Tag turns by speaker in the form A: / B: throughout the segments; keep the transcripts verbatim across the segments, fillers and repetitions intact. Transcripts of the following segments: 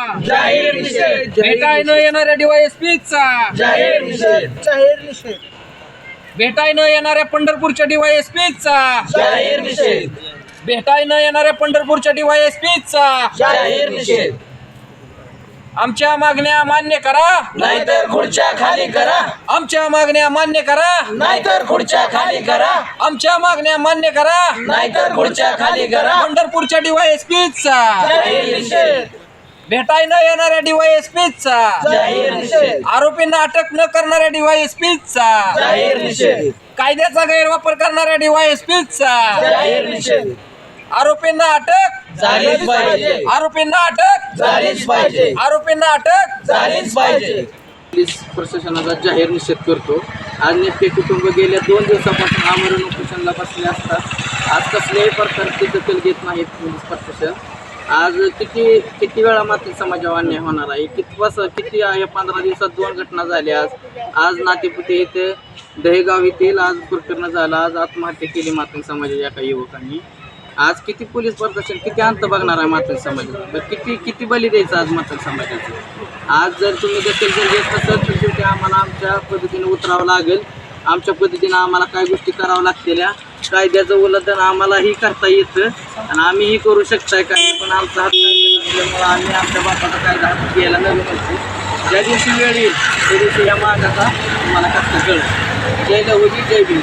A: जाहीर निषेध.
B: भेटाय न येणाऱ्या डीवायएसपीचा
A: जाहीर निषेध. जाहीर निषेध.
B: भेटाय न येणाऱ्या पंढरपूरच्या डीवायएसपीचा
A: जाहीर निषेध.
B: भेटाय न येणाऱ्या पंढरपूरच्या डीवायएसपीचा
A: जाहीर निषेध.
B: आमच्या मागण्या मान्य करा,
A: नाहीतर खुर्च्या खाली करा.
B: आमच्या मागण्या मान्य करा,
A: नाहीतर खुर्च्या खाली करा.
B: आमच्या मागण्या मान्य करा,
A: नाहीतर खुर्च्या खाली करा.
B: पंढरपूरच्या डीवायएसपीचा
A: जाहीर निषेध.
B: भेटाय न येणाऱ्या डीवायएसपीचा
A: जाहीर निषेध.
B: आरोपींना अटक न करणाऱ्या डीवायएसपीचा
A: जाहीर निषेध.
B: कायद्याचा गैरवापर करणाऱ्या डीवायएसपीचा
A: जाहीर निषेध.
B: आरोपींना अटक
A: झालीच पाहिजे.
B: आरोपींना अटक
A: झालीच पाहिजे.
B: आरोपींना अटक
A: झालीच पाहिजे.
C: पोलीस प्रशासनाचा जाहीर निषेध करतो. आज नेटके कुटुंब गेल्या दोन दिवसापासून आमरण उपोषणाला बसले असतात. आज कसल्याही प्रकारची दखल घेत नाहीत पोलीस प्रशासन. आज किती किती वेळा मात्र समाजावर अन्याय होणार आहे. किती बस किती या पंधरा दिवसात दोन घटना झाल्या. आज आज नातेपुते येथे दहेगाव येथील आज प्रकरण झालं. आज आत्महत्या केली मात्र समाजाच्या एका युवकांनी. आज किती पोलीस प्रशासन किती अंत बघणार आहे मात्र समाजात. किती किती बली द्यायचं आज मात्र समाजाचं. आज जर तुम्ही दखल जर घेत असाल तर शेवटी आम्हाला आमच्या पद्धतीने उतरावं लागेल. आमच्या पद्धतीने आम्हाला काय गोष्टी कराव्या लागतेल्या. कायद्याचं उल्लंघन आम्हालाही करता येतं आणि आम्हीही करू शकताय काय. पण आमचा हात असल्यामुळं आम्ही आमच्या बापाचा कायदा हातात घ्यायला नवीन असतो. ज्या दिवशी वेळ येईल त्या दिवशी या मागाचा तुम्हाला कष्ट कळेल. जय लहुजी जय भीम.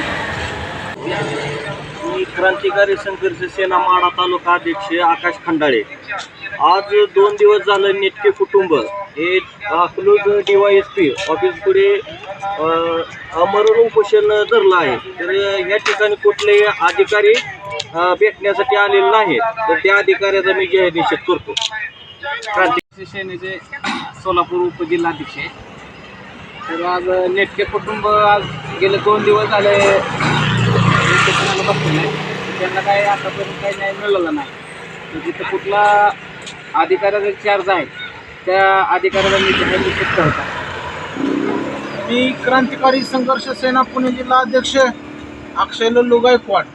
D: मी क्रांतिकारी संघर्ष सेना माढा तालुका अध्यक्ष आकाश खंडाळे. आज दोन दिवस झालं नेटके कुटुंब हे अकलूज डीवायएसपी ऑफिस पुढे आमरण उपोषण धरलं आहे. तर या ठिकाणी कुठलेही अधिकारी भेटण्यासाठी आलेले नाहीत. तर त्या अधिकाऱ्याचा मी जाहीर निषेध करतो.
C: क्रांतिकारी सेनेचे सोलापूर उपजिल्हाध्यक्ष. तर आज नेटके कुटुंब आज गेले दोन दिवस झाले उपोषणाला बसलेलं आहे. त्यांना काही आतापर्यंत काही न्याय मिळाला नाही. तर जिथं कुठला अधिकाऱ्याचा चार्ज आहे त्या अधिकाऱ्याला मी जाहीर निषेध करतो.
E: मी क्रांतिकारी संघर्ष सेना पुणे जिल्हा अध्यक्ष अक्षय लल्लू गायकवाड.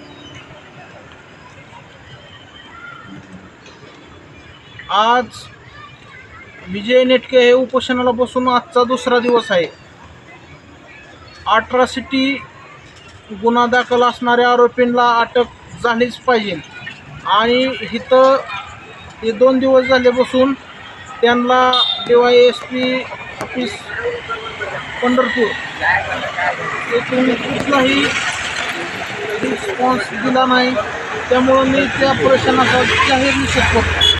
E: आज विजय नेटके हे उपोषणाला बसून आजचा दुसरा दिवस आहे. अट्रॉसिटी गुन्हा दाखल असणाऱ्या आरोपींना अटक झालीच पाहिजे आणि इथं हे दोन दिवस झाले बसून त्यांना D Y S P office Pandharpur येथून कुठलाही रिस्पॉन्स दिला नाही. त्यामुळं मी त्या प्रशासनाचा जाहीर निषेध करतो.